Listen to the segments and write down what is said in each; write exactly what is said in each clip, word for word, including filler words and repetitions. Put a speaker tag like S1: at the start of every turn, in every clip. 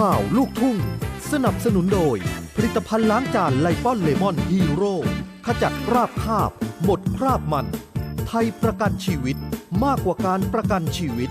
S1: ข่าวลูกทุ่งสนับสนุนโดยผลิตภัณฑ์ล้างจานไลปอนเลมอนฮีโร่ขจัดคราบคาบหมดคราบมันไทยประกันชีวิตมากกว่าการประกันชีวิต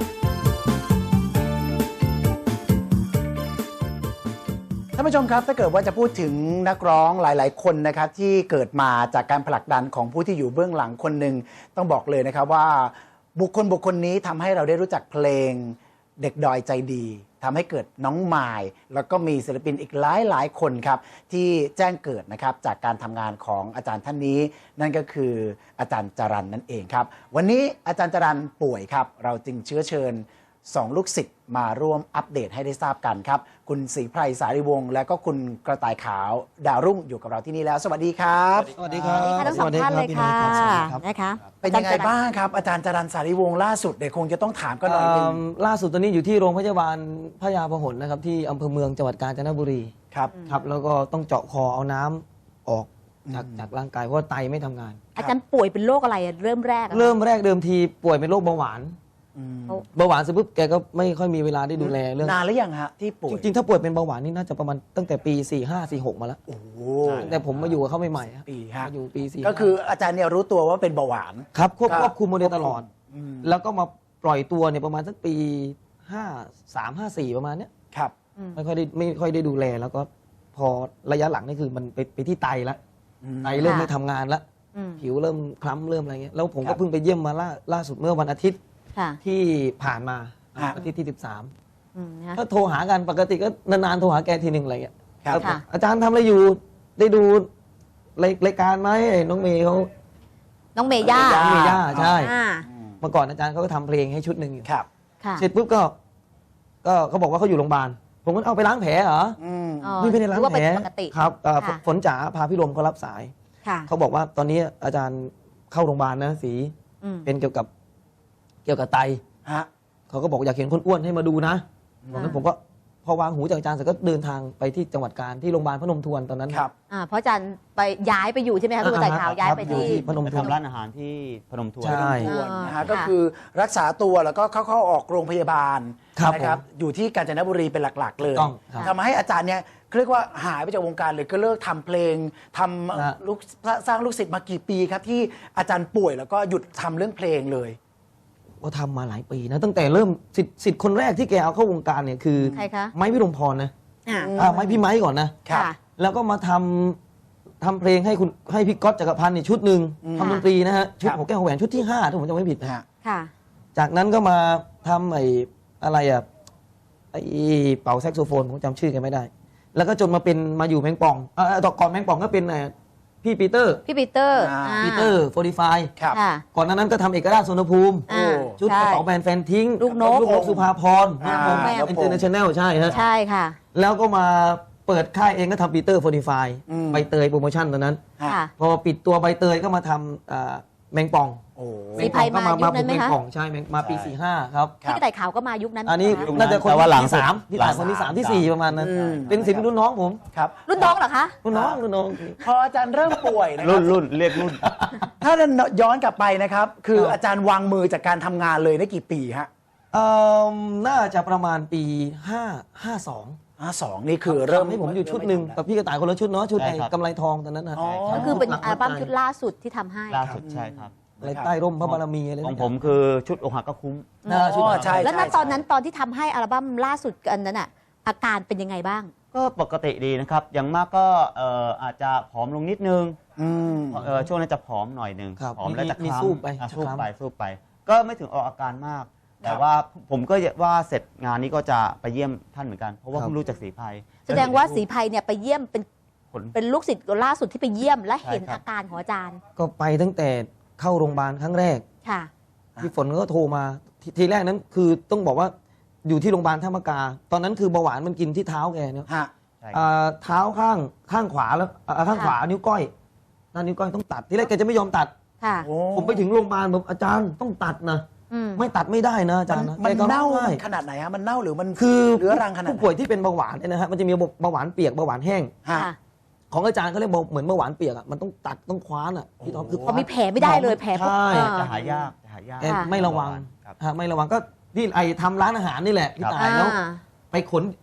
S2: ท่านผู้ชมครับถ้าเกิดว่าจะพูดถึงนักร้องหลายๆคนนะครับที่เกิดมาจากการผลักดันของผู้ที่อยู่เบื้องหลังคนหนึ่งต้องบอกเลยนะครับว่าบุคคลบุคคลนี้ทำให้เราได้รู้จักเพลงเด็กดอยใจดีทำให้เกิดน้องมายแล้วก็มีศิลปินอีกหลายหลายคนครับที่แจ้งเกิดนะครับจากการทำงานของอาจารย์ท่านนี้นั่นก็คืออาจารย์จรัญนั่นเองครับวันนี้อาจารย์จรัญป่วยครับเราจึงเชื้อเชิญสองลูกศิษย์มาร่วมอัปเดตให้ได้ทราบกันครับคุณศรีไพรสารีวงศ์และก็คุณกระต่ายขาวดาวรุ่งอยู่กับเราที่นี่แล้วสวัสดีครับ
S3: สวัสดีครับ
S4: ทั้งสองท่านเลยค่ะนะคะ
S2: เป็นยังไงบ้างครับอาจารย์จรัญสารีวงศ์ล่าสุดเดี๋ยวคงจะต้องถามกันหน่อยนึง
S3: ล่าสุดตอนนี้อยู่ที่โรงพยาบาลพญาพหลนะครับที่อำเภอเมืองจังหวัดกาญจนบุรี
S2: ครับ
S3: ครับแล้วก็ต้องเจาะคอเอาน้ำออกจากจากร่างกายเพราะว่าไตไม่ทำงาน
S4: อาจารย์ป่วยเป็นโรคอะไรเริ่มแรก
S3: เริ่มแรกเดิมทีป่วยเป็นโรคเบาหวานเบาหวานเสร็จปุ๊บแกก็ไม่ค่อยมีเวลาได้ดูแลเรื่อง
S2: นานหรือยังฮะที่ป่วย
S3: จริงๆถ้าป่วยเป็นเบาหวานนี่น่าจะประมาณตั้งแต่ปีสี่ห้าสี่หกมาแล้ว
S2: โอ้
S3: แต่ผมมาอยู่กับเขาใหม่
S2: ๆปี
S3: ห้าอยู่ปีสี่
S2: ก็คืออาจารย์เนี่ยรู้ตัวว่าเป็นเบาหวาน
S3: ครับควบควบคุมมาโดยตลอดแล้วก็มาปล่อยตัวเนี่ยประมาณสักปีห้าสามห้าสี่ประมาณเนี้ย
S2: ครับ
S3: ไม่ค่อยได้ไม่ค่อยได้ดูแลแล้วก็พอระยะหลังนี่คือมันไปไปที่ไตแล้วไตเริ่มไม่ทำงานแล้วผิวเริ่มคล้ำเริ่มอะไรเงี้ยแล้วผมก็เพิ่งไปเยี่ยมมาล่าล่าสุดเมื่อวันอาทิตย์ที่ผ่านมาอาทิตย์ที่สิบสามก็โทรหากันปกติก็นานๆโทรหาแกทีหนึ่งอะไรเงี้ยอาจารย์ทำอะไรอยู่ได้ดูรายการไหมน้องเมย์เขา
S4: น้องเมย่า
S3: น้องเมย่าใช่เมื่อก่อนอาจารย์เขาก็ทำเพลงให้ชุดหนึ่งอยู่เสร็จปุ๊บก็ก็เขาบอกว่าเขาอยู่โรงพยาบาลผมก็เอาไปล้างแผลเหรอไม่ไม่ได้ล้างแผลครับฝนจ๋าพาพี่ลมเขารับสายเขาบอกว่าตอนนี้อาจารย์เข้าโรงพยาบาลนะสีเป็นเกี่ยวกับเกี่ยวกับไตเขาก็บอกอยากเห็นคนอ้วนให้มาดูนะตอนนั้นผมก็พอวางหูจากอาจารย์เสร็จก็เดินทางไปที่จังหวัดกาญที่โรงพยาบาลพนมทวนตอนนั้น
S2: ครับ
S4: เพราะอาจารย์ไปย้ายไปอยู่ใช่ไหมคะคุณต่ายขาวย้ายไปที่
S3: พนมทวน
S5: ทำร้านอาหารที่พนมทวน
S2: ใช่นะฮะก็คือรักษาตัวแล้วก็เข้าๆออกโรงพยาบาลนะครับอยู่ที่กาญจนบุรีเป็นหลักๆเลยทำให้อาจารย์เนี่ยเรียกว่าหายไปจากวงการเลยก็เลิกทำเพลงทำลูกสร้างลูกศิษย์มากี่ปีครับที่อาจารย์ป่วยแล้วก็หยุดทำเรื่องเพลงเลย
S3: ก็ทำมาหลายปีนะตั้งแต่เริ่มสิทธิ์สิทธิ์คนแรกที่แกเอาเข้าวงการเนี่ยคือ
S4: ใครคะ
S3: ไม้พิรมพรนะอ่าไม้พี่ไม้ก่อนนะแล้วก็มาทำทำเพลงให้คุณให้พี่ก๊อตจักรพันธ์ในชุดหนึ่งทำดนตรีนะฮะชุดหัวแก้วหัวแหวนชุดที่ห้าถ้าผมจำไม่ผิดนะจากนั้นก็มาทำไอ้อะไรอ่ะไอ้เป่าแซกโซโฟนผมจำชื่อแกไม่ได้แล้วก็จนมาเป็นมาอยู่แมงป่องอ่าต่อก่อนแมงป่องก็เป็นพี่ปีเตอร์
S4: พี่ปีเตอร์
S3: ปีเตอร์โฟร์ตี้ไฟก่อนนั้นก็ทำเอกราชสุนภูมิชุดกระเป๋าแบรนด์แฟนทิ้ง
S4: ลูกนก
S3: ลูกนกสุภาพรอินเตอร์เนชั่นแนลใช่ฮะ
S4: ใช่ค่ะ
S3: แล้วก็มาเปิดค่ายเองก็ทำปีเตอร์โฟร์ตี้ไฟใบเตยโปรโมชั่นตอนนั้นพอปิดตัวใบเตยก็มาทำแมงป่อง
S4: แมงป่อง
S3: ก็มามาเป็นแมงป่องใช่มาปีสี่ห้าครับ
S4: พี่กระต่ายขาวก็มายุคนั้น
S3: อันนี้น่าจะคนที่สามที่สามคนที่สามที่สี่ประมาณนั้นเป็นศิลปินรุ่นน้องผม
S2: ครับ
S4: รุ่นน้องเหรอคะ
S3: รุ่นน้องรุ่นน้อง
S2: พออาจารย์เริ่มป่วยนะ
S5: รุ่นรุ่นเรียกรุ่น
S2: ถ้าย้อนกลับไปนะครับคืออาจารย์วางมือจากการทำงานเลยได้กี่ปีฮะ
S3: เอ่อน่าจะประมาณปีห้าห้าสอง
S2: ห้าสองนี่คือเริ่ม
S3: ให้ผมอยู่ชุดหนึ่งกับพี่กระต่ายคนละชุดเนาะชุดไอ้กำไรทองตอนนั้นนะ
S4: ก็คือเป็นอัลบั้มชุดล่าสุดที่ทำให้
S5: ล่าสุดใช่ครับ
S3: อะไรใต้ร่มพระบารมีอะไร
S5: ของผมคือชุดอกหักก็คุ้ม
S2: ชุดใช่
S4: แล้วณตอนนั้นตอนที่ทำให้อัลบั้มล่าสุดอันนั้นอ่ะอาการเป็นยังไงบ้าง
S5: ก็ปกติดีนะครับอย่างมากก็อาจจะผอมลงนิดนึงช่วงนั้นจะผอมหน่อยนึงผอมแล้วจะคล้ำสู้ไปสู้ไปสู้ไปก็ไม่ถึงออกอาการมากแต่ว่าผมก็ว่าเสร็จงานนี้ก็จะไปเยี่ยมท่านเหมือนกันเพราะว่าเพิ่งรู้จักศรีไพร
S4: แสดงว่าศรีไพรเนี่ยไปเยี่ยมเป็นเป็นลูกศิษย์ล่าสุดที่ไปเยี่ยมและเห็นอาการของอาจารย์
S3: ก็ไปตั้งแต่เข้าโรงพยาบาลครั้งแรกพี่ฝนก็โทรมาทีแรกนั้นคือต้องบอกว่าอยู่ที่โรงพยาบาลท่ามะกาตอนนั้นคือเบาหวานมันกินที่เท้าแกเนี่ยเท้าข้างข้างขวาแล้วข้างขวานิ้วก้อยด้านนิ้วก้อยต้องตัดทีแรกแกจะไม่ยอมตัดผมไปถึงโรงพยาบาลแบบอาจารย์ต้องตัดนะไม่ตัดไม่ได้นะอาจารย์นะ
S2: มันเน่าขนาดไหนฮะมันเน่าหรือมัน
S3: คือ
S2: เรื้อรังขนาด
S3: ผู้ป่วยที่เป็นเบาหวานเนี่ยนะฮะมันจะมีเบาหวานเปียกเบาหวานแห้งของอาจารย์เขาเรียกเหมือนเบาหวานเปียกอ่ะมันต้องตัดต้องคว้านอ่ะพี่ท็อปคือ
S4: เขามีแผลไม่ได้เลยแผล
S5: ใช่จะหายากจะหายาก
S3: ไม่ระวังไม่ระวังก็ที่ไอ้ทำร้านอาหารนี่แหละพี่ตายแล้วไปขนไป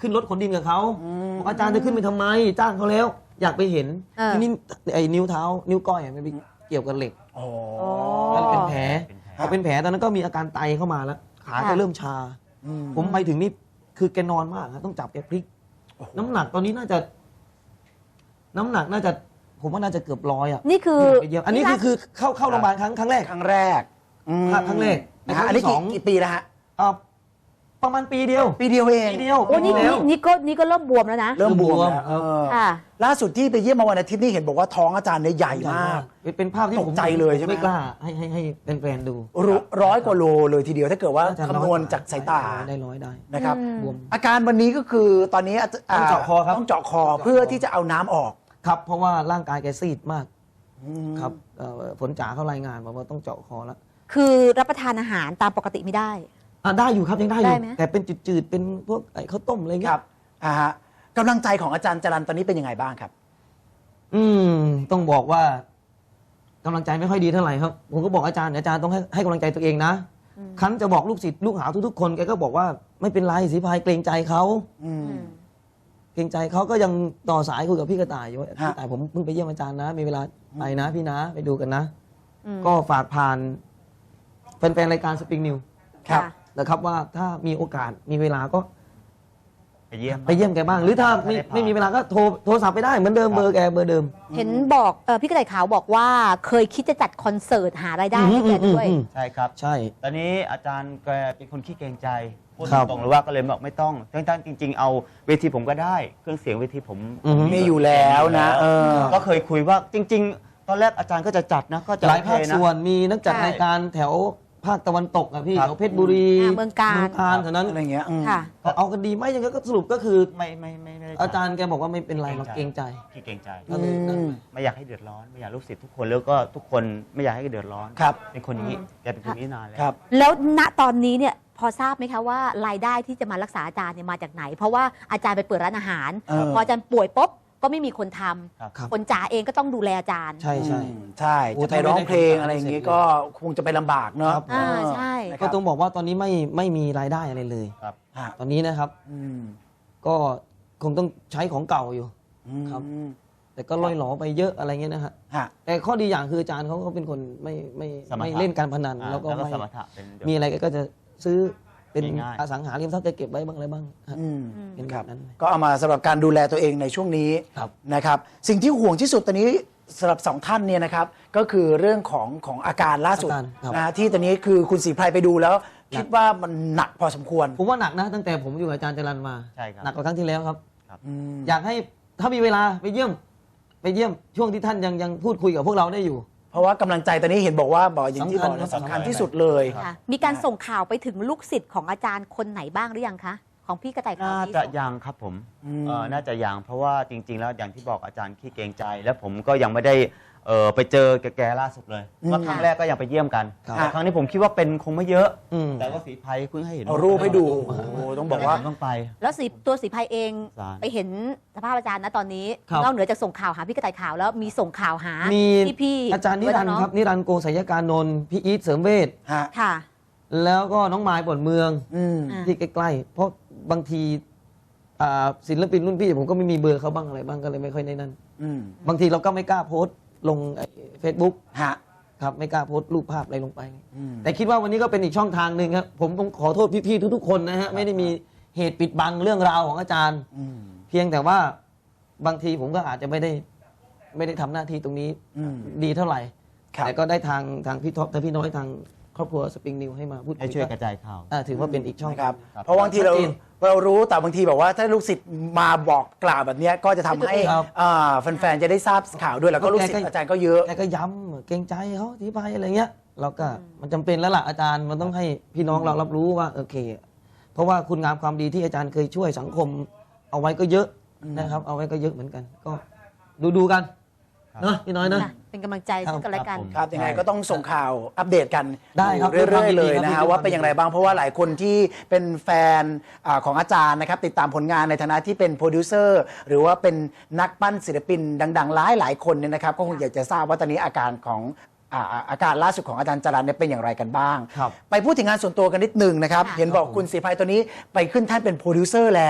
S3: ขึ้นรถขนดินกับเขาบอกอาจารย์จะขึ้นไปทำไมจ้างเขาแล้ว อยากไปเห็น
S4: เออ
S3: ทีนี้ไอ้นิ้วเท้า นิ้วก้อยอะมันไปเกี่ยวกับเหล็ก
S2: อ๋อ
S3: มันเป็นแผล
S5: เป็นแผล
S3: พอเป็นแผลตอนนั้นก็มีอาการไตเข้ามาแล้ว ขาก็เริ่มชา
S2: อืม
S3: ผมไปถึงนี่คือแกนอนมากครับต้องจับแกพลิก น้ำหนักตอนนี้น่าจะ น้ำหนักน่าจะ ผมว่าน่าจะเกือบร้อยอ่ะ
S4: นี่คือ
S3: ไปเยี่ยมอันนี้คือคือเข้าเข้าโรงพยาบาลครั้งครั้งแรก
S2: ครั้งแรกอืม
S3: ครั้งแรก
S2: นะฮะอันนี้
S3: ครั้
S2: กี่
S3: งที่สอง
S2: กี่ปีแล้วฮะ
S3: อ่าประมาณปีเดียว
S2: ปีเดียวเอง
S3: ปีเดียว
S4: โอ้นี่
S3: ปีเดี
S4: นี่
S3: ยว
S4: นี่ก็นี่ก็เริ่มบวมแล้วนะ
S2: เริ่มบวม
S3: เริ่มบวม
S2: แล้วเออ
S4: ค่ะ
S2: ล่าสุดที่ไปเยี่ยมมาวันอาทิตย์นี่เห็นบอกว่าท้องอาจารย์เนี่ยใหญ่มาก
S3: เป็นเป็นภาพที่ผม
S2: ตกใจเลยใช่ไหม
S3: ไม่กล้าให้ให้ให้แฟนๆดู
S2: ร้อยร้อยกว่าโลเลยทีเดียวถ้าเกิดว่า
S3: น่จะ
S2: คำนวณจากสายตา
S3: ได้ร้อยได้
S2: นะครับ
S4: อืม
S3: บวม
S2: อาการวันนี้ก็คือตอนนี้อาจ
S3: ต้องเจาะคอครับ
S2: ต้องเจาะคอเพื่อที่จะเอาน้ำออก
S3: ครับ เพราะว่าร่างกายแกซีดมากครับเอ่อผลจ๋าเขารายงานบอกว่าต้องเจาะคอแล้ว
S4: คือรับประทานอาหารตามปกติไม่ได้
S3: อ่ะได้อยู่ครับยังได้อ
S4: ได้
S3: ยู่
S4: ไหม
S3: แต่เป็นจืดๆเป็นพวกไอ้ข้าวต้มอะไร
S2: ค
S3: เงี้
S2: รั
S3: ย
S2: บอ่าฮะกำลังใจของอาจารย์จรันตอนนี้เป็นยังไงบ้างครับ
S3: อืมต้องบอกว่ากำลังใจไม่ค่อยดีเท่าไหร่ครับ ผมก็บอกอาจารย์อาจารย์ต้องให้ให้กำลังใจตัวเองนะครั้นจะบอกลูกศิษย์ลูกหาทุกๆคนแกก็บอกว่าไม่เป็นไรศรีพายเกรงใจเขา
S2: อืม
S4: อืม
S3: เกรงใจเขาก็ยังต่อสายคุยกับพี่กระต่ายอยู่ว่า
S2: ฮะ
S3: พี่กระต่ายผมเพิ่งไปเยี่ยมอาจารย์นะ มีเวลาไปนะพี่นะไปดูกันนะ
S4: อืม
S3: ก็ฝากผ่านแฟนๆรายการสปริงนิว
S2: ครับ
S4: ค่ะ
S3: นะครับว่าถ้ามีโอกาสมีเวลาก็
S5: ไปเยี่ยม
S3: ไปเยี่ยมแกบ้าง หรือถ้าไม่ไม่มีเวลาก็โทรโทรศัพท์ไปได้เหมือนเดิมเบอร์แกเบอร์เดิม
S4: เห็นบอกเออพี่กระต่ายขาวบอกว่าเคยคิดจะจัดคอนเสิร์ตหารายได้ให้แกด้วย
S3: อืม
S5: ใช่ครับ
S3: ใช่
S5: ตอนนี้อาจารย์แกเป็นคนขี้เกรงใจพูด
S3: ครับ
S5: ตรงๆเลยว่าก็เลยบอกไม่ต้องทั้งๆจริง ๆ เอาเวทีผมก็ได้เครื่องเสียงเวทีผม
S3: อือฮึ
S2: มีอยู่แล้วนะเออ
S5: ก็เคยคุยว่าจริง ๆ ตอนแรกอาจารย์ก็จะจัดนะก็จะ
S3: หลายภาค
S5: โอเคนะ
S3: ส่วนมีนักจัด
S4: ใช่
S3: รายการแถวภาคตะวันตกอะพี่
S5: ครับ
S3: แถวเพชรบุรี
S4: อ่าเมืองกาญ
S3: เมืองการแถวนั้น
S2: อะไรเงี้ยอืม
S4: ค่ะ
S3: ก็เอากันดีไหมยังไงก็สรุปก็คือ
S5: ไม่ไม่ไม่ไม่ได้
S3: อาจารย์แกบอกว่าไม่เป็นไรเราเกรงใจ
S5: ขี้เกรงใจ
S3: ก็เลยนั่น
S2: อืม
S5: ไม่อยากให้เดือดร้อนไม่อยากลูกศิษย์ทุกคนแล้วก็ทุกคนไม่อยากให้เดือดร้อน
S2: ครับ
S5: เป็นคนอย่างนี้แกเป็นคนนี้นานแล้ว
S2: ครับ
S4: แล้วณตอนนี้เนี่ยพอทราบไหมคะว่ารายได้ที่จะมารักษาอาจารย์เนี่ยมาจากไหน เพราะว่าอาจารย์ไปเปิดร้านอาหาร
S2: เออ
S4: พออาจารย์ป่วยปุ๊บก็ไม่มีคนทำ
S5: ครับ
S3: ครับ
S4: คนจ๋าเองก็ต้องดูแลอาจารย์
S3: ใช่ใช่
S2: อืมใช่
S3: โอ้
S2: จะไปร้องเพลงอะไรอย่างงี้ก็คงจะไปลำบากเนาะ
S3: ครับ
S4: อ่าใช่
S2: นะค
S3: ก็
S2: รับ
S3: ต้องบอกว่าตอนนี้ไม่ไม่มีรายได้อะไรเลย
S5: ครับ
S2: ฮะ
S3: ตอนนี้นะครับ
S2: อืม
S3: ก็คงต้องใช้ของเก่าอยู่
S2: อืม
S3: ครับ แต่ก็ล่อยหลอไปเยอะอะไรเงี้ยนะฮะ
S2: ฮะ
S3: แต่ข้อดีอย่างคืออาจารย์เขาก็เป็นคนไม่ไม่
S5: สมถะ
S3: ไม่เล่นการพนัน
S5: อ่า
S3: แล้วก็
S5: แล้วก็
S3: ไม่
S5: สมถะเป็น
S3: มีอะไรก็จะซื้อเป็น
S5: ง่ายๆ
S3: อสังหาริมทรัพย์จะเก็บไว้บ้างอะไรบ้างฮะ
S2: อืม
S3: เป็น
S2: ค
S3: แบ
S2: รับบ
S3: นั้น
S2: ก็เอามาสำหรับการดูแลตัวเองในช่วงนี้
S3: ครับ
S2: นะครับ สิ่งที่ห่วงที่สุดตอนนี้สำหรับสองท่านเนี่ยนะครับ ก็คือเรื่องของของอาการล่าสุด
S3: อาการครับ
S2: นะฮะที่ตอนนี้คือคุณศรีไพรไปดูแล้ว คิดว่ามันหนักพอสมควร
S3: ผมว่าหนักนะตั้งแต่ผมอยู่กับอาจารย์จรันมา
S5: ใช่ครับ
S3: หนักกว่าครั้งที่แล้วครับ
S2: อืม
S3: อยากให้ถ้ามีเวลาไปเยี่ยม ไปเยี่ยมช่วงที่ท่านยังยังพูดคุยกับพวกเราได้อยู่
S2: เพราะว่ากำลังใจตอนนี้เห็นบอกว่าบอกอย่างที่บอกนะ
S3: สำคัญ
S2: สำคัญที่สุดเลย
S4: ค่ะมีการส่งข่าวไปถึงลูกศิษย์ของอาจารย์คนไหนบ้างหรือยังคะ ของพี่กระต่ายขาว
S5: น่า
S4: ที่
S5: จะ
S4: ส่ง
S5: ยังครับผม
S2: อืม
S5: เอ่อน่าจะยังเพราะว่าจริง ๆ แล้วอย่างที่บอกอาจารย์ขี้เกรงใจ และผมก็ยังไม่ได้เอ่อไปเจอแกๆล่าสุดเลย
S2: อืม
S5: ว่าครั้งแรกก็ยังไปเยี่ยมกัน
S3: ครับ
S5: แต่ครั้งนี้ผมคิดว่าเป็นคงไม่เยอะ
S3: อืม
S5: แต่ว่าสีภัยเพิ่งให้เห็น
S2: เอารูปให้ดูโอ้โหต้องบอกว่า
S5: ผมต้องไป
S4: แล้วสีตัวสีภัยเอง
S5: อาจารย์
S4: ไปเห็นสภาพอาจารย์นะตอนนี้
S3: ครับ
S4: นอกเหนือจากส่งข่าวหาพี่กระต่ายขาวแล้วมีส่งข่าวหา
S3: มี
S4: พี่พี่ๆ
S3: อาจารย์นิรันดร์ครับนิรันดร์โกศยการนนท์พี่อีทเสริมเวช
S2: ฮะ
S4: ค่ะ
S3: แล้วก็น้องไม้ปวดเมือง
S2: อืม
S4: อ่า
S3: ที่ใกล้ๆเพราะบางทีอ่าศิลปินรุ่นพี่ผมก็ไม่มีเบอร์เขาบ้างอะไรบ้างก็เลยไม่ค่อยได้นั่น
S2: อืม
S3: บางทีเราก็ไม่กล้าโพสต์ลงเฟซบุ๊ก
S2: ฮะ
S3: ครับไม่กล้าโพสต์รูปภาพอะไรลงไป
S2: อืม
S3: แต่คิดว่าวันนี้ก็เป็นอีกช่องทางหนึ่งครับผมต้องขอโทษพี่ๆทุกๆคนนะฮะไม่ได้มีเหตุปิดบังเรื่องราวของอาจารย์
S2: อืม
S3: เพียงแต่ว่าบางทีผมก็อาจจะไม่ได้ไม่ได้ทำหน้าที่ตรงนี้
S2: อืม
S3: ดีเท่าไหร่
S2: ครับ
S3: แต่ก็ได้ทางทางพี่ท็อปทางพี่น้อยทางครอบครัวสปริงนิวให้มาพูด
S5: ให้
S3: คุย
S5: ช่วยกระจายข่าว
S3: อ่าถือว่าเป็นอีกช่อง
S2: นะครับ
S5: ครับ
S2: เพราะบางทีเรา
S3: ชัดเจน
S2: เรารู้แต่บางทีแบบว่าถ้าลูกศิษย์มาบอกกล่าวแบบเนี้ยก็จะทำให้
S3: ครับ
S2: อ่าแฟนๆจะได้ทราบข่าวด้วยแล้วก็ลูกศิษย์อาจารย์ก็เยอะ
S3: แกก็ย้ำเกรงใจเขาที่ไปอะไรเงี้ยเราก็มันจำเป็นแล้วล่ะอาจารย์มันต้องให้พี่น้องเรารับรู้ว่าโอเค เพราะว่าคุณงามความดีที่อาจารย์เคยช่วยสังคม เอาไว้ก็เยอะนะครับ เอาไว้ก็เยอะเหมือนกัน ก็ดูดูๆกันเนาะพี่น้อยเนาะ
S4: ค่ะเป็นกำลังใจซึ่งกันและกัน
S5: ครับผม
S2: ครับยังไงก็ต้องส่งข่าวอัปเดตกัน
S3: ได้ครับ
S2: อยู่เรื่อยๆเลยนะ
S3: ด้วยค
S2: ฮะ
S3: วามยินดี
S2: ว่าเป็นอย่างไรบ้างเพราะว่าหลายคนที่เป็นแฟนอาของอาจารย์นะครับติดตามผลงานในฐานะที่เป็นโปรดิวเซอร์หรือว่าเป็นนักปั้นศิลปินดังๆหลายหลายๆคนเนี่ยนะครับก็คงอยากจะทราบว่าตอนนี้อาการของอ่าอาการล่าสุดของอาจารย์จรัญเนี่ยเป็นอย่างไรกันบ้าง
S3: ครับ
S2: ไปพูดถึงงานส่วนตัวกันนิดหนึงนะครับ
S4: ค่ะ
S2: เห็นบอกคุณศรีภัยตัวนี้ไปขึ้นท่านเป็นโปรดิวเซอร์แล้ว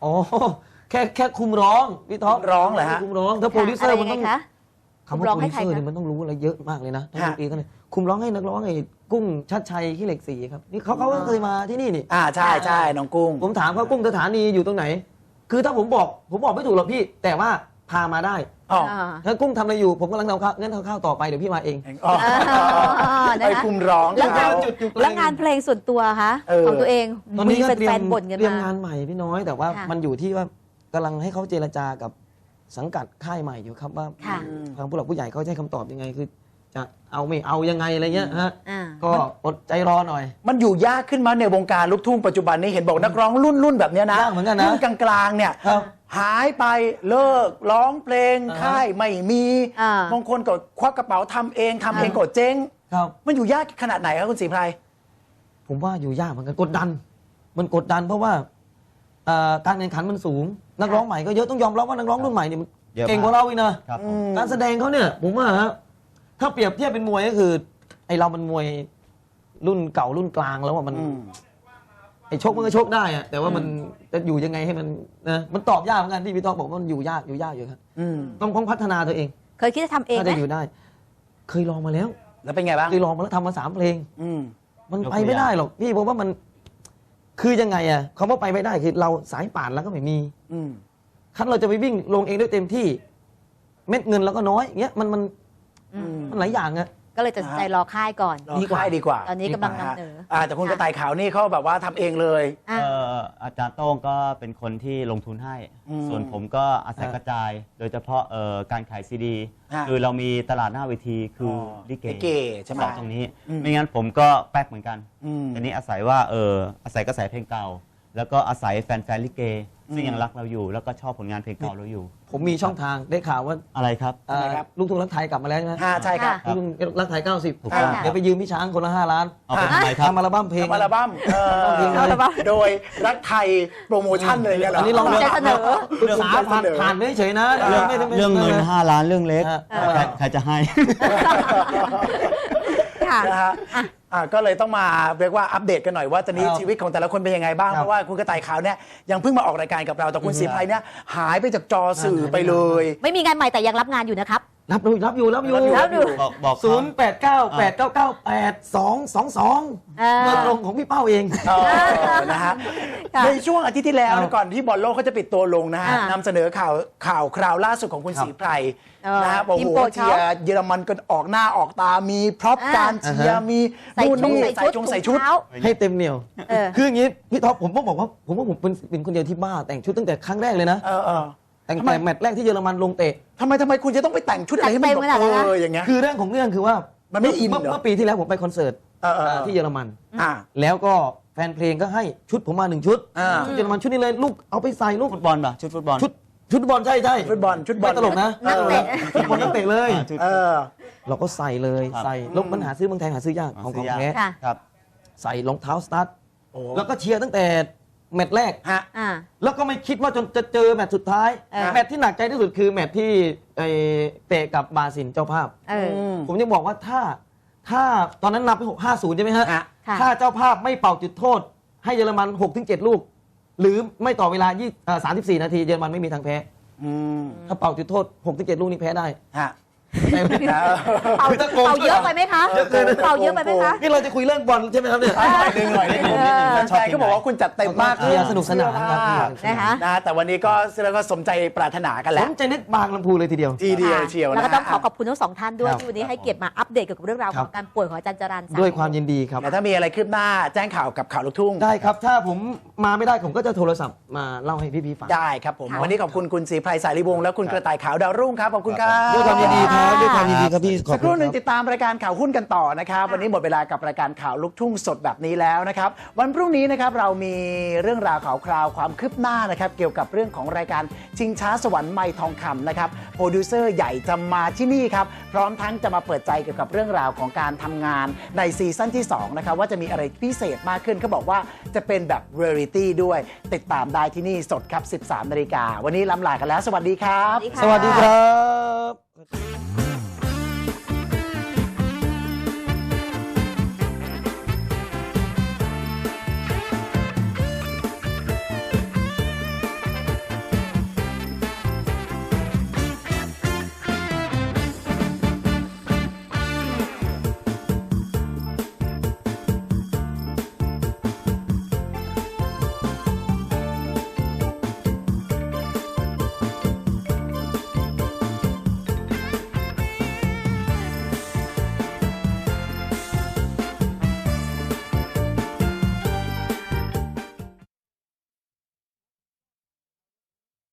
S3: อ๋อแค่แค่คุมร้องพี่ท็อป
S2: ร้องเหรอฮะ
S3: คุมร้องถ้าโปรดิวเซอร์มันต้อง
S4: ะไยัไคะ
S3: คำว่า
S4: คุมร้อง
S3: โปร
S4: ให้
S3: ดิว
S4: ใคร
S3: เซอร์
S4: คะ
S3: เนี่ยมันต้องรู้อะไรเยอะมากเลยนะทั้ง
S2: ฮะ
S3: ดนตรีทั้งเลยคุมร้องให้นักร้องไอ้กุ้งชัดชัยขี้เหล็กสีครับนี่เขาเขาก็เคยมาที่นี่นี่
S2: อ่าใช่ใช่น้องกุ้ง
S3: ผมถามเขากุ้งสถานีอยู่ตรงไหน คือถ้าผมบอกผมบอกไม่ถูกหรอกพี่ แต่ว่าพามาได้
S2: อ๋อ
S3: ถ้ากุ้งทำอะไรอยู่ผมกำลังทำข้าวงั้นทำข้าวต่อไปเดี๋ยวพี่มาเอง
S2: อ๋อ
S4: นะคะ
S2: ไอ้คุมร้อง
S4: แล้วงาน
S2: เขา
S4: แล้วงานเพลงส่วนตัวคะ
S2: เออ
S4: ของตัวเอง
S3: ตอนนี้
S4: มี
S3: ก็เตรี
S4: แฟ
S3: ยม
S4: นๆบ่นกัน
S3: เตรียม
S4: มาง
S3: านใหม่พี่น้อย แต่ว่า
S4: ค่ะ
S3: มันอยู่ที่ว่ากำลังให้เขาเจรจากับสังกัดค่ายใหม่อยู่ครับว่า
S4: ค่ะ
S3: ทางผู้หลักผู้ใหญ่เขาจะให้คำตอบยังไงคือ จะเอาไม่เอายังไงอะไรเงี้ยฮะ
S4: อ่า
S3: ก็อดใจรอหน่อย
S2: มันอยู่ยากขึ้นมาในวงการลูกทุ่งปัจจุบันนี้เห็นบอกนักร้องรุ่นรุ่นแบบเนี้ยนะ
S3: ยากเหมือนกันนะ
S2: รุ่นกลางๆเนี่ย
S3: ครับ
S2: หายไปเลิกร้องเพลง
S3: อ่าฮะ
S2: ค่ายไม่มี
S4: อ่า
S2: บางคนก็ควักกระเป๋าทำเองทำเอง
S4: อ่า
S2: ก็เจ๊ง
S3: ครับ
S2: มันอยู่ยากขนาดไหนครับคุณศรีไพร
S3: ผมว่าอยู่ยากเหมือนกันกดดัน มันกดดันเพราะว่าเอ่อการแข่งขันมันสูง นักร้องใหม่ก็เยอะต้องยอมรับว่านักร้องรุ่นใหม่เนี่ยมัน
S5: เยอะมาก
S3: เก่งกว่าเราอีกนะครับ
S2: อืม
S3: การแสดงเขาเนี่ยผมว่าฮะถ้าเปรียบเทียบเป็นมวยก็คือ ไอเรามันมวยรุ่นเก่ารุ่นกลางแล้วว่ามัน
S2: อืม
S3: ไอชกมันก็ชกได้อะแต่ว่ามันจะอยู่ยังไงให้มันนะมันตอบยากเหมือนกันที่พี่ต้องบอกว่ามันอยู่ยากอยู่ยากอยู่ครับ
S2: อืม
S3: ต้องต้องพัฒนาตัวเอง
S4: เคยคิดจะทำเอง
S3: ถ้า
S4: ไหม
S3: จะอยู่ได้ เคยลองมาแล้ว
S2: แล้วเป็นไงบ้าง
S3: เคยลองมาแล้วทำมาสามเพลง
S2: อืม
S3: มัน
S5: ยกตัว
S3: ไปไม่ได้หรอกพี่ผมว่ามันคือยังไงอะคำว่าไปไม่ได้คือเราสายป่านแล้วก็ไม่มี
S2: อืม
S3: คันเราจะไปวิ่งลงเองได้เต็มที่ เม็ดเงินเราก็น้อยเงี้ยมันมัน
S4: อืม
S3: มันหลายอย่างอะ
S4: ก็เลยตัดสินใจรอค่ายก่อน
S2: รอค่ายดีกว่า
S4: ตอนนี้กำลังนำเหนอ
S2: อ่าแต่คุณกระต่ายขาวนี่เขาแบบว่าทำเองเลย
S4: อ่ะ
S5: เอ่ออาจารย์โต้งก็เป็นคนที่ลงทุนให้
S2: อืม
S5: ส่วนผมก็อาศัย
S3: อ่าก
S5: ระจาย โดยเฉพาะเอ่อการขายซีดี
S2: อ่า
S5: คือเรามีตลาดหน้าเวทีคืออลิเก
S2: ลิเกใช่ไหม
S5: สองตรงนี้
S2: อืม
S5: ไม่งั้นผมก็แป๊กเหมือนกัน
S2: อืม
S5: อันนี้อาศัยว่าเอออาศัยกระแสเพลงเก่า แล้วก็อาศัยแฟนๆลิเก ซึ่งยังรักเราอยู่ แล้วก็ชอบผลงานเพลงเก่าเราอยู่
S3: ผมมีช่องทางได้ข่าวว่า
S5: อะไรครับ
S3: เอ่อ
S2: ทำไมครับ
S3: ลูกทุ่งรักไทยกลับมาแล้วใช่ไหม
S2: อ่าใช่ครับ
S4: ค่ะ
S3: ลูกทุ่งรักไทยเก้าสิบ
S5: ถูกต้อง
S3: เดี๋ยวไปยืมพี่ช้างคนละห้าล้าน
S5: เอาไปทำไมครับ
S3: ทำอัลบั้มเพลง
S2: ทำอัลบั้มเออ
S3: ทำเพลงเลย
S4: อัลบั้ม
S2: โดยรักไทยโปรโมชั่นเลยเนี่ยเหรอ
S3: อันนี้ลอง
S4: ภูมิใจเสนอ
S3: ปรึกษาผ่านผ่านไม่เฉยนะ
S2: เรื่อง
S3: ไม่ได้ไม่ได้
S5: เรื่องเงินห้าล้านเรื่องเล็ก
S3: อ่า
S5: ใครใครจะให้
S4: ค่ะ
S2: นะฮะอ่ะก็เลยต้องมาเรียกว่าอัปเดตกันหน่อยว่าตอนนี้
S3: ครับ
S2: ชีวิตของแต่ละคนเป็นยังไงบ้าง
S3: ครับ
S2: เพราะว่าคุณกระต่ายขาวเนี่ยยังเพิ่งมาออกรายการกับเราแต่คุณ
S3: อืม
S2: ศรีไพรเนี่ยหายไปจากจอสื่อไปเลย
S4: ไม่มีงานใหม่แต่ยังรับงานอยู่นะครับ
S3: รับอยู่รับอยู่รับอยู่
S2: รับอยู่
S5: บอกบอกเขา
S3: ศูนย์แปดเก้าแปดเก้าเก้าแปดสองสองสอง
S4: เออ
S3: เงินลงของพี่เป้าเอง
S2: เออนะฮะ
S4: ค่ะ
S2: ในช่วงอาทิตย์ที่แล้ว
S3: ครับ
S2: ก่อนที่บอลโลกเขาจะปิดตัวลงนะฮะ
S4: อ่าน
S2: ำเสนอข่าวข่าวคราวล่าสุดของคุณ
S3: ครับ
S2: ศรีไพร
S4: เออ
S2: นะฮะบอก
S4: ทีม
S2: โอ้
S4: โป
S2: โห
S4: รดเขา
S2: เชียร์เยอรมันก็ออกหน้าออกตามีพร็อพ
S4: อ่า
S2: การเชียร์
S3: อ่าฮะ
S2: มี
S4: ใส่
S2: นู่น
S4: ชุด
S2: นี่
S4: ใส่
S2: ใส่
S4: ชุด
S2: ชง
S4: ถุ
S2: ใส่
S4: ง
S2: ชุด
S4: เท้า
S3: ให้เต็มเหนียว
S4: เออ
S3: คืออย่างนี้พี่ท็อปผมต้องบอกว่าผมว่าผมเป็นเป็นคนเดียวที่บ้าแต่งชุดตั้งแต่ครั้งแรกเลยนะ
S2: เออเออ
S3: แต่ง
S2: ทำไม
S3: แต่แมตช์แรกที่เยอรมันลงเตะ
S2: ทำไมทำไมคุณจะต้องไปแต่งชุดอะไรให้มัน
S4: แต่งเต็มขนาดนั้นนะ
S2: เอออย่างเงี้ย
S3: คือเรื่องของเรื่องคือว่า
S2: มันไม่อิน
S3: เมื่
S2: เหรอ
S3: เมื่อปีที่แล้วผมไปคอนเสิร์ต
S2: เออเออเออ
S3: ที่เยอรมัน
S2: อ่า
S3: แล้วก็แฟนเพลงก็ให้ชุดผมมาหนึ่งชุด
S2: อ่า
S3: ชุดเยอรมันชุดนี้เลยลูกเอาไปใส่ลูก
S5: ฟุตบอลป่ะชุดฟุตบอล
S3: ชุดชุดฟุตบอลใช่ใช่
S2: ฟุตบอลชุดบอล
S3: ไม่ตลกนะ
S4: นักเตะ
S3: ฟุตบอลนักเตะเลย
S5: อ่าชุด
S2: เออ
S3: เราก็ใส่เลย
S5: ครับ
S3: ใส่แลวมันหาซื้อเมืองไทยหาซื้อยากของของแท้
S4: ค่ะ
S5: ครับ
S3: ใส่รองเท้าสตาร์ท
S2: โอ้
S3: แล้วก็เชียร์ตั้งแต่แมตช์แรก
S2: ฮะ
S4: อ่า
S3: แล้วก็ไม่คิดว่าจนจะเจอแมตช์สุดท้าย
S4: เออ
S3: แมตช์ที่หนักใจที่สุดคือแมตช์ที่ไอ้เตะกับบราซิลเจ้าภาพ
S4: เออ
S2: ม
S3: ผมจะบอกว่าถ้าถ้าตอนนั้นนับไปหกห้าศูนย์ใช่ไหมฮะ
S2: ฮะ
S4: ค่ะ
S3: ถ้าเจ้าภาพไม่เป่าจุดโทษ ให้เยอรมันหกถึงเจ็ดลูก หรือไม่ต่อเวลาสามสิบสี่นาทีเยอรมันไม่มีทางแพ้
S2: อืม
S3: ถ้าเป่าจุดโทษหกถึงเจ็ดลูกนี่แพ้ได้
S2: ฮะ
S3: แต่
S4: เป่า
S3: คือถ้าโกง
S4: เป่าเยอะไปไหมคะ
S2: เยอะเกิน
S4: เป่าเยอะไปไหมคะ
S3: นี่เราจะคุยเรื่องบอลใช่ไหมครับเนี่ย
S2: หน่อยหนึงหน่อยหนึง
S5: นิดนึงนิดนึง
S2: แฟนๆก็บอกว่าคุณจัดเต็มมาก
S3: เชียร์สนุกสนานครับ
S4: นะคะ
S2: นะฮะแต่วันนี้ก็เสื้อก็สมใจปรารถนากัน
S3: ผ
S2: แล้ว
S3: มใจนึกบางลำพูเลยทีเดียว
S2: ทีเดียวเชียวนะ
S4: แล้วก็ต้องขอ
S2: ฮะ
S4: ขอบคุณทั้งสองท่านด้วย
S3: ครับ
S4: ที่วันนี้ให้เกียรติมาอัปเดตเกี่ยวกับเรื่องราว
S3: ค
S4: ข
S3: รับ
S4: องการป่วยของอาจารย์จรัญ
S3: ด้วยความยินดีครับ
S2: แต่ถ้ามีอะไรคืบหน้าแจ้งข่าวกับข่าวลูกทุ่ง
S3: ได้ครับ ถ้าผมมาไม่ได้ผมก็จะโทรศัพท์มาเล่าให้พี่ๆฟัง
S2: ได้ครับผม
S4: ค่ะ
S2: วันนี้ขอบคุณคุณศรีไพรสายรีวงศ์และคุณกระต่ายขาวดาวรุ่งครับขอบคุณครับ
S3: ด้วยความยินดีครับด้วยความยินดีครับพี่ขอบ
S2: สักค
S3: คุ
S2: รู่
S3: ณ
S2: หนึ่ง
S3: ครับ
S2: ติดตามรายการข่าวหุ้นกันต่อนะครับ วันนี้หมดเวลากับรายการข่าวลูกทุ่งสดแบบนี้แล้วนะครับ วันพรุ่งนี้นะครับเรามีเรื่องราวข่าวคราวความคืบหน้านะครับ เกี่ยวกับเรื่องของรายการชิงช้าสวรรค์ไมค์ทองคำนะครับโปรดิวเซอร์ใหญ่จะมาที่นี่ครับพร้อมทั้งจะมาเปิดใจเกี่ยวกับเรื่องราวของการทำงานในซีซั่นที่สองนะครับว่าจะมีอะไรพิเศษมากขึ้นเขาบอกว่าจะเป็นแบบเรียลิตี้ด้วยติดตามได้ที่นี่สดครับ สิบสามนาฬิกาวันนี้ล้ำลากันแล้วสวัสดีครับ
S4: สวัสดีค่ะ
S3: สวัสดีครับ